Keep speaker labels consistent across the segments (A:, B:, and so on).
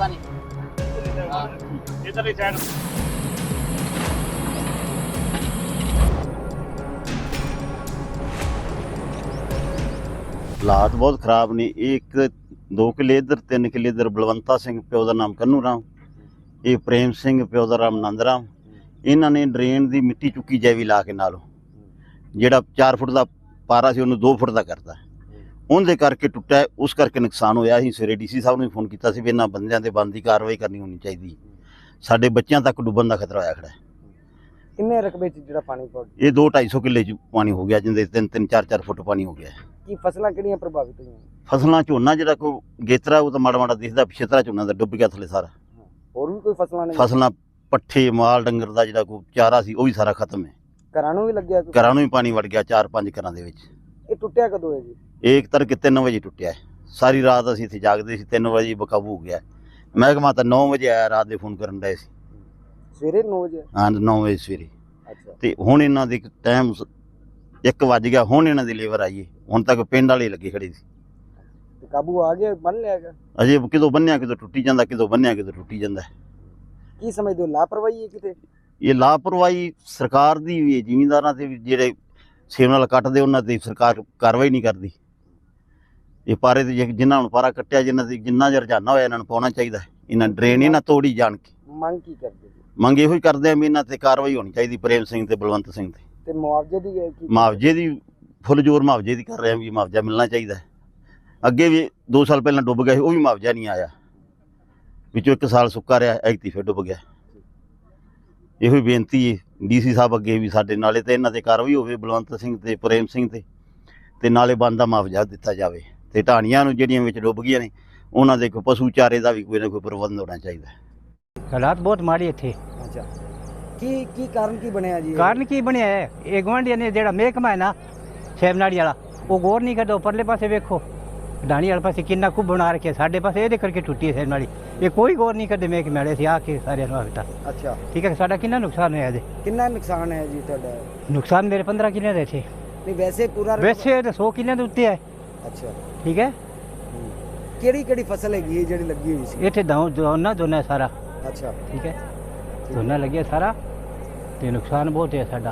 A: पानी
B: इधर ही साइड
C: ਹਾਲਾਤ ਬਹੁਤ ਖਰਾਬ ਨੇ। ਇਹ ਇੱਕ 2 ਕਿੱਲੇ ਇੱਧਰ 3 ਕਿੱਲੇ ਇੱਧਰ ਬਲਵੰਤਾ ਸਿੰਘ ਪਿਓ ਦਾ ਨਾਮ ਕੰਨੂ ਰਾਮ, ਇਹ ਪ੍ਰੇਮ ਸਿੰਘ ਪਿਓ ਦਾ ਨਾਮ ਨੰਦ ਰਾਮ। ਇਹਨਾਂ ਨੇ ਡਰੇਨ ਦੀ ਮਿੱਟੀ ਚੁੱਕੀ ਜੈਵੀ ਲਾ ਕੇ ਨਾਲੋਂ ਜਿਹੜਾ 4 ਫੁੱਟ ਦਾ ਪਾਰਾ ਸੀ ਉਹਨੂੰ 2 ਫੁੱਟ ਦਾ ਕਰਤਾ। ਉਹਦੇ ਕਰਕੇ ਟੁੱਟਿਆ, ਉਸ ਕਰਕੇ ਨੁਕਸਾਨ ਹੋਇਆ। ਅਸੀਂ ਸਵੇਰੇ ਡੀਸੀ ਸਾਹਿਬ ਨੂੰ ਫੋਨ ਕੀਤਾ ਸੀ ਵੀ ਇਹਨਾਂ ਬੰਦਿਆਂ ਤੇ ਬਣਦੀ ਕਾਰਵਾਈ ਕਰਨੀ ਹੋਣੀ ਚਾਹੀਦੀ। ਸਾਡੇ ਬੱਚਿਆਂ ਤੱਕ ਡੁੱਬਣ ਦਾ ਖਤਰਾ ਹੋਇਆ ਖੜਾ ਹੈ।
D: ਕਿੰਨੇ ਰਕਬੇ 'ਚ ਜਿਹੜਾ ਪਾਣੀ ਪਹੁੰਚ
C: ਇਹ 2-250 ਕਿੱਲੇ 'ਚ ਪਾਣੀ ਹੋ ਗਿਆ, ਜਿੰਦੇ 3-3 4-4 ਫੁੱਟ ਪਾਣੀ ਹੋ ਗਿਆ।
D: ਕੀ ਫਸਲਾਂ ਕਿਹੜੀਆਂ ਪ੍ਰਭਾਵਿਤ ਹੋਈਆਂ?
C: ਫਸਲਾਂ ਝੋਨਾ ਜਿਹੜਾ ਕੋਈ ਗੇਤਰਾ ਉਹ ਤਾਂ ਮਾੜਾ ਮਾੜਾ ਦਿਖਦਾ, ਪਿਛਤਰਾ ਝੋਨਾ ਦਾ ਡੁੱਬ ਗਿਆ ਥੱਲੇ ਸਾਰਾ।
D: ਹੋਰ ਵੀ ਕੋਈ ਫਸਲਾਂ ਨੇ?
C: ਫਸਲਾਂ ਪੱਠੇ ਮਾਲ ਡੰਗਰ ਦਾ ਜਿਹੜਾ ਕੋਈ ਚਾਰਾ ਸੀ ਉਹ ਵੀ ਸਾਰਾ ਖਤਮ ਹੈ।
D: ਘਰਾਂ ਨੂੰ ਵੀ ਲੱਗਿਆ ਕੋਈ?
C: ਘਰਾਂ ਨੂੰ ਵੀ ਪਾਣੀ ਵੜ ਗਿਆ 4-5 ਘਰਾਂ ਦੇ ਵਿੱਚ।
D: ਇਹ ਟੁੱਟਿਆ ਕਦੋਂ ਹੈ ਜੀ?
C: ਇਹ ਇੱਕ ਤੜਕੇ 3 ਵਜੇ ਟੁੱਟਿਆ ਹੈ। ਸਾਰੀ ਰਾਤ ਅਸੀਂ ਇੱਥੇ ਜਾਗਦੇ ਸੀ, 3 ਵਜੇ ਬਕਾਬੂ ਹੋ ਗਿਆ। ਮਹਿਕਮਾ ਤਾਂ 9 ਵਜੇ ਆਇਆ, ਰਾਤ ਦੇ ਫੋਨ ਕਰਨ ਡਏ ਸੀ।
D: ਸਵੇਰੇ 9 ਵਜੇ?
C: ਹਾਂ 9 ਵਜੇ ਸਵੇਰੇ।
D: ਅੱਛਾ।
C: ਤੇ ਹੁਣ ਇਹਨਾਂ ਦੇ ਟਾਈਮ 1 ਵੱਜ ਗਿਆ, ਹੁਣ ਇਹਨਾਂ ਦੀ ਲੇਬਰ ਆਈ ਹੈ। ਹੁਣ ਤੱਕ ਪਿੰਡ ਵਾਲੇ ਲੱਗੇ ਖੜੇ ਸੀ।
D: ਤੇ ਕਾਬੂ ਆ ਗਿਆ, ਬੰਨ ਲਿਆ ਗਿਆ?
C: ਅਜੇ ਕਿਦੋਂ ਬੰਨਿਆ ਕਿਦੋਂ ਟੁੱਟੀ ਜਾਂਦਾ, ਕਿਦੋਂ ਬੰਨਿਆ ਕਿਦੋਂ ਟੁੱਟੀ ਜਾਂਦਾ।
D: ਕੀ ਸਮਝਦੇ ਹੋ, ਲਾਪਰਵਾਹੀ ਹੈ ਕਿਤੇ?
C: ਇਹ ਲਾਪਰਵਾਹੀ ਸਰਕਾਰ ਦੀ ਵੀ ਹੈ, ਜ਼ਿਮੀਂਦਾਰਾਂ ਤੇ ਵੀ ਜਿਹੜੇ ਸੇਮ ਨਾਲ ਕੱਟਦੇ ਉਹਨਾਂ ਤੇ ਸਰਕਾਰ ਕਾਰਵਾਈ ਨਹੀਂ ਕਰਦੀ। ਇਹ ਪਾਰੇ ਤੇ ਜਿਨ੍ਹਾਂ ਨੂੰ ਪਾਰਾ ਕੱਟਿਆ, ਜਿਨ੍ਹਾਂ ਦੀ ਜਿੰਨਾ ਜਿਹਾ ਰੁਝਾਨਾ ਹੋਇਆ ਇਹਨਾਂ ਨੂੰ ਪਾਉਣਾ ਚਾਹੀਦਾ। ਇਹਨਾਂ ਡਰੇਨ ਇਹਨਾਂ ਤੋੜੀ ਜਾਣ ਕੇ।
D: ਮੰਗ ਕੀ ਕਰਦੇ ਜੀ?
C: ਮੰਗ ਇਹੋ ਹੀ ਕਰਦੇ ਆ ਵੀ ਇਹਨਾਂ ਤੇ ਕਾਰਵਾਈ ਹੋਣੀ ਚਾਹੀਦੀ, ਪ੍ਰੇਮ ਸਿੰਘ ਤੇ ਬਲਵੰਤ ਸਿੰਘ ਤੇ।
D: ਤੇ ਮੁਆਵਜ਼ੇ ਦੀ ਹੈ ਕੀ?
C: ਮੁਆਵਜ਼ੇ ਦੀ ਫੁੱਲ ਜ਼ੋਰ ਮੁਆਵਜ਼ੇ ਦੀ ਕਰ ਰਹੇ ਆ ਵੀ ਮੁਆਵਜ਼ਾ ਮਿਲਣਾ ਚਾਹੀਦਾ। ਅੱਗੇ ਵੀ 2 ਸਾਲ ਪਹਿਲਾਂ ਡੁੱਬ ਗਿਆ ਸੀ, ਉਹ ਵੀ ਮੁਆਵਜ਼ਾ ਨਹੀਂ ਆਇਆ। ਵਿੱਚੋਂ 1 ਸਾਲ ਸੁੱਕਾ ਰਿਹਾ, ਐਗਤੀ ਫਿਰ ਡੁੱਬ ਗਿਆ। ਇਹੋ ਹੀ ਬੇਨਤੀ ਹੈ ਡੀਸੀ ਸਾਹਿਬ ਅੱਗੇ ਵੀ ਸਾਡੇ ਨਾਲੇ ਤੇ ਇਹਨਾਂ ਤੇ ਕਾਰਵਾਈ ਹੋਵੇ, ਬਲਵੰਤ ਸਿੰਘ ਤੇ ਪ੍ਰੇਮ ਸਿੰਘ ਤੇ ਨਾਲੇ ਬਣਦਾ ਮੁਆਵਜ਼ਾ ਦਿੱਤਾ ਜਾਵੇ। ਤੇ ਢਾਣੀਆਂ ਨੂੰ ਜਿਹੜੀਆਂ ਵਿੱਚ ਡੁੱਬ ਗਈਆਂ ਨੇ ਉਹਨਾਂ ਦੇ ਕੋਈ ਪਸ਼ੂ ਚਾਰੇ ਦਾ ਵੀ ਕੋਈ ਨਾ ਕੋਈ ਪ੍ਰਬੰਧ ਹੋਣਾ ਚਾਹੀਦਾ।
E: ਹਾਲਾਤ ਬਹੁਤ ਮਾੜੇ ਇੱਥੇ।
D: ਅੱਛਾ। ਕੀ ਕਾਰਨ ਕੀ ਬਣਿਆ ਜੀ?
E: ਕਾਰਨ ਕੀ ਬਣਿਆ ਹੈ? ਇਹ ਗੁਆਂਢੀਆਂ ਨੇ ਜਿਹੜਾ ਮਹਿਕਮਾ ਹੈ ਨਾ ਸੈਮਨਾੜੀ ਵਾਲਾ, ਉਹ ਗੌਰ ਨਹੀਂ ਕਰਦਾ। ਪਰਲੇ ਪਾਸੇ ਵੇਖੋ, ਢਾਣੀ ਵਾਲੇ ਪਾਸੇ ਕਿੰਨਾ ਕੁ ਬਣਾ ਰੱਖਿਆ, ਸਾਡੇ ਪਾਸੇ ਇਹਦੇ ਕਰਕੇ ਟੁੱਟੀ ਹੈ ਸੈਮਨਾੜੀ। ਇਹ ਕੋਈ ਗੌਰ ਨਹੀਂ ਕਰਦੇ ਮਹਿਕਮੇ ਵਾਲੇ। ਅਸੀਂ ਆ ਕੇ ਸਾਰਿਆਂ ਨੂੰ ਆਖਤਾ।
D: ਅੱਛਾ।
E: ਠੀਕ ਹੈ, ਸਾਡਾ ਕਿੰਨਾ ਨੁਕਸਾਨ ਹੋਇਆ ਇਹਦੇ?
D: ਕਿੰਨਾ ਨੁਕਸਾਨ ਹੈ ਜੀ ਤੁਹਾਡਾ?
E: ਨੁਕਸਾਨ ਮੇਰੇ 15 ਕਿੱਲੇ ਦੇ ਇੱਥੇ।
D: ਨਹੀਂ ਵੈਸੇ ਪੂਰਾ?
E: ਵੈਸੇ ਤਾਂ 100 ਕਿੱਲਿਆਂ ਦੇ ਉੱਤੇ ਹੈ।
D: ਅੱਛਾ।
E: ਠੀਕ ਹੈ।
D: ਕਿਹੜੀ ਫਸਲ ਹੈਗੀ ਹੈ ਜਿਹੜੀ ਲੱਗੀ ਹੋਈ ਸੀ?
E: ਇੱਥੇ ਦੋਨਾ ਸਾਰਾ।
D: ਅੱਛਾ।
E: ਠੀਕ ਹੈ, ਦੋਨਾ ਲੱਗਿਆ ਸਾਰਾ ਤੇ ਨੁਕਸਾਨ ਬਹੁਤ ਹੈ ਸਾਡਾ।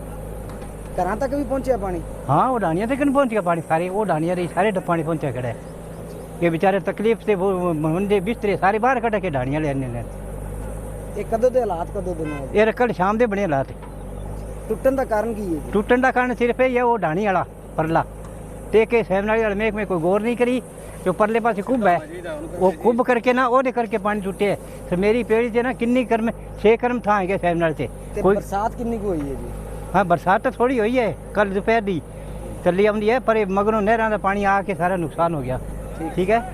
D: ਘਰਾਂ ਤੱਕ ਵੀ ਪਹੁੰਚਿਆ ਪਾਣੀ?
E: ਹਾਂ, ਉਹ ਢਾਣੀਆਂ ਤੱਕ ਨਹੀਂ ਪਹੁੰਚਿਆ ਪਾਣੀ। ਸਾਰੇ ਉਹ ਢਾਣੀਆਂ ਦੇ ਸਾਰੇ ਪਾਣੀ ਪਹੁੰਚਿਆ ਖੜਾ ਹੈ। ਇਹ ਵਿਚਾਰੇ ਤਕਲੀਫ ਤੇ ਹੁੰਦੇ ਬਿਸਤਰੇ ਸਾਰੇ ਬਾਹਰ ਕੱਢ ਕੇ ਢਾਣੀਆਂ ਲੈਣੇ ਨੇ।
D: ਇਹ ਕਦੋਂ ਦੇ ਹਾਲਾਤ ਕਦੋਂ ਦੇ ਨੇ?
E: ਇਹ ਕੱਲ੍ਹ ਸ਼ਾਮ ਦੇ ਬਣੇ ਹਾਲਾਤ।
D: ਟੁੱਟਣ ਦਾ ਕਾਰਨ ਕੀ ਹੈ ਜੀ?
E: ਟੁੱਟਣ ਦਾ ਕਾਰਨ ਸਿਰਫ ਇਹ ਹੈ ਉਹ ਢਾਣੀ ਵਾਲਾ ਪਰਲਾ ਤੇ ਕੇ ਸੈਮਨਾੜੀ ਵਾਲੇ ਮਹਿਕਮੇ ਕੋਈ ਗੌਰ ਨਹੀਂ ਕਰੀ। ਜੋ ਪਰਲੇ ਪਾਸੇ ਕੁੱਬ ਹੈ, ਉਹ ਕੁੱਬ ਕਰਕੇ ਨਾ ਉਹਦੇ ਕਰਕੇ ਪਾਣੀ ਟੁੱਟੇ। ਤੇ ਮੇਰੀ ਪੇੜੀ ਤੇ ਨਾ ਕਿੰਨੀ ਕਰਮ 6 ਕਰਮ ਥਾਂ ਹੈਗੇ ਸੈਮਨਾੜੀ ਤੇ।
D: ਤੇ
E: ਕੋਈ
D: ਬਰਸਾਤ ਕਿੰਨੀ ਕੁ ਹੋਈ ਹੈ ਜੀ?
E: ਹਾਂ, ਬਰਸਾਤ ਤਾਂ ਥੋੜੀ ਹੋਈ ਹੈ, ਕੱਲ ਦੁਪਹਿਰ ਦੀ ਚੱਲੀ ਆਉਂਦੀ ਹੈ, ਪਰ ਮਗਰੋਂ ਨਹਿਰਾਂ ਦਾ ਪਾਣੀ ਆ ਕੇ ਸਾਰਾ ਨੁਕਸਾਨ ਹੋ ਗਿਆ। ਠੀਕ ਹੈ।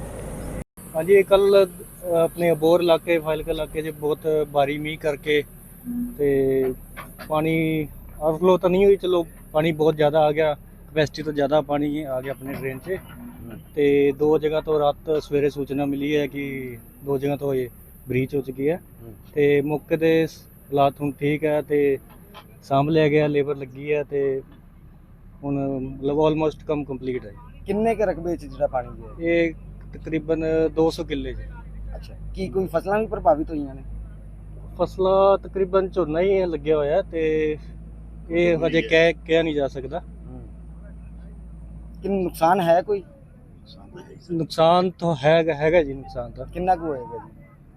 B: हाँ जी, कल अपने अबोर इलाके फाइलका इलाके च बहुत भारी मीह करके ते पानी ओवरफ्लो तो नहीं हुई, चलो पानी बहुत ज़्यादा आ गया, कैपेसिटी तो ज़्यादा पानी आ गया अपने ड्रेन से। ते 2 जगह तो रात सवेरे सूचना मिली है कि 2 जगह तो ये ब्रीच हो चुकी है। ते मौके ते हालात हुण ठीक है ते सांभ लिया गया, लेबर लगी है ते हुण मतलब ऑलमोस्ट कम कंप्लीट है।
D: ਕਿੰਨੇ ਕੁ ਰਕਬੇ 'ਚ ਜਿਹੜਾ ਪਾਣੀ ਗਿਆ?
B: ये तकरीबन 200 किले च।
D: ਅੱਛਾ। ਕੀ ਕੋਈ ਫਸਲਾਂ ਵੀ ਪ੍ਰਭਾਵਿਤ ਹੋਈਆਂ ਨੇ?
B: ਫਸਲਾਂ ਤਕਰੀਬਨ ਝੋਨਾ ਹੀ ਲੱਗਿਆ ਹੋਇਆ ਤੇ ਇਹ ਹਜੇ ਕਹਿ ਨਹੀਂ ਜਾ ਸਕਦਾ।
D: ਕਿ ਨੁਕਸਾਨ ਹੈ ਕੋਈ?
B: ਨੁਕਸਾਨ ਤਾਂ ਹੈਗਾ ਜੀ, ਨੁਕਸਾਨ ਤਾਂ
D: ਕਿੰਨਾ ਕੁ ਹੋਏਗਾ ਜੀ?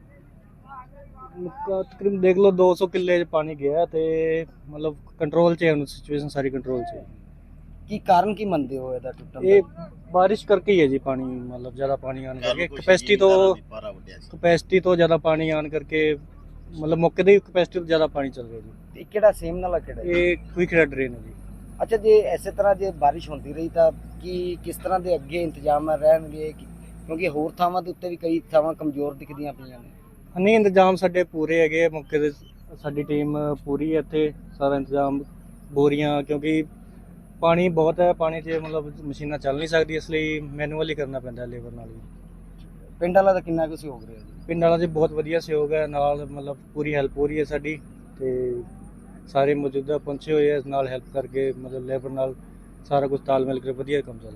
B: ਤਕਰੀਬਨ ਦੇਖ ਲਓ 200 ਕਿੱਲੇ 'ਚ ਪਾਣੀ ਗਿਆ ਤੇ ਮਤਲਬ ਕੰਟਰੋਲ 'ਚ ਹੈ, ਹੁਣ ਸਿਚੁਏਸ਼ਨ ਸਾਰੀ ਕੰਟਰੋਲ 'ਚ ਹੈ।
D: ਕੀ ਕਾਰਨ ਕੀ ਮੰਨਦੇ ਹੋ ਇਹਦਾ ਟੁੱਟਣ ਦਾ?
B: ਇਹ ਬਾਰਿਸ਼ ਕਰਕੇ ਹੀ ਹੈ ਜੀ, ਪਾਣੀ ਮਤਲਬ ਜ਼ਿਆਦਾ ਪਾਣੀ ਆਣ ਕਰਕੇ ਕਪੈਸਿਟੀ ਤੋਂ ਜ਼ਿਆਦਾ ਪਾਣੀ ਆਣ ਕਰਕੇ ਮਤਲਬ ਮੌਕੇ ਦੀ ਕਪੈਸਿਟੀ ਤੋਂ ਜ਼ਿਆਦਾ ਪਾਣੀ ਚੱਲ ਰਿਹਾ ਜੀ।
D: ਤੇ ਕਿਹੜਾ ਸੇਮ ਨਾਲ ਕਿਹੜਾ?
B: ਇਹ ਕੁਇਕ ਰੈਡ ਡਰੇਨ ਹੈ ਜੀ।
D: ਅੱਛਾ, ਜੇ ਇਸੇ ਤਰ੍ਹਾਂ ਜੇ ਬਾਰਿਸ਼ ਹੁੰਦੀ ਰਹੀ ਤਾਂ ਕਿਸ ਤਰ੍ਹਾਂ ਦੇ ਅੱਗੇ ਇੰਤਜ਼ਾਮ ਰਹਿਣਗੇ? ਕਿਉਂਕਿ ਹੋਰ ਥਾਵਾਂ ਦੇ ਉੱਤੇ ਵੀ ਕਈ ਥਾਵਾਂ ਕਮਜ਼ੋਰ ਦਿਖਦੀਆਂ ਪਈਆਂ ਨੇ।
B: ਨਹੀਂ, ਇੰਤਜ਼ਾਮ ਸਾਡੇ ਪੂਰੇ ਹੈਗੇ ਮੌਕੇ ਤੇ, ਸਾਡੀ ਟੀਮ ਪੂਰੀ ਹੈ ਇੱਥੇ, ਸਾਰਾ ਇੰਤਜ਼ਾਮ, ਬੋਰੀਆਂ, ਕਿਉਂਕਿ ਪਾਣੀ ਬਹੁਤ ਹੈ, ਪਾਣੀ 'ਚ ਮਤਲਬ ਮਸ਼ੀਨਾਂ ਚੱਲ ਨਹੀਂ ਸਕਦੀ, ਇਸ ਲਈ ਮੈਨੂਅਲੀ ਕਰਨਾ ਪੈਂਦਾ ਲੇਬਰ ਨਾਲ ਹੀ।
D: ਪਿੰਡ ਵਾਲਾ ਦਾ ਕਿੰਨਾ ਕੁ ਸਹਿਯੋਗ ਰਿਹਾ ਜੀ?
B: ਪਿੰਡ ਵਾਲਾ ਜੀ ਬਹੁਤ ਵਧੀਆ ਸਹਿਯੋਗ ਹੈ, ਨਾਲ ਮਤਲਬ ਪੂਰੀ ਹੈਲਪ ਹੋ ਰਹੀ ਹੈ ਸਾਡੀ ਤੇ ਸਾਰੇ ਮੌਜੂਦਾ ਪਹੁੰਚੇ ਹੋਏ ਹੈ ਨਾਲ ਹੈਲਪ ਕਰਕੇ, ਮਤਲਬ ਲੇਬਰ ਨਾਲ ਸਾਰਾ ਕੁਝ ਤਾਲਮੇਲ ਕਰਕੇ ਵਧੀਆ ਕੰਮ ਚੱਲ ਰਿਹਾ।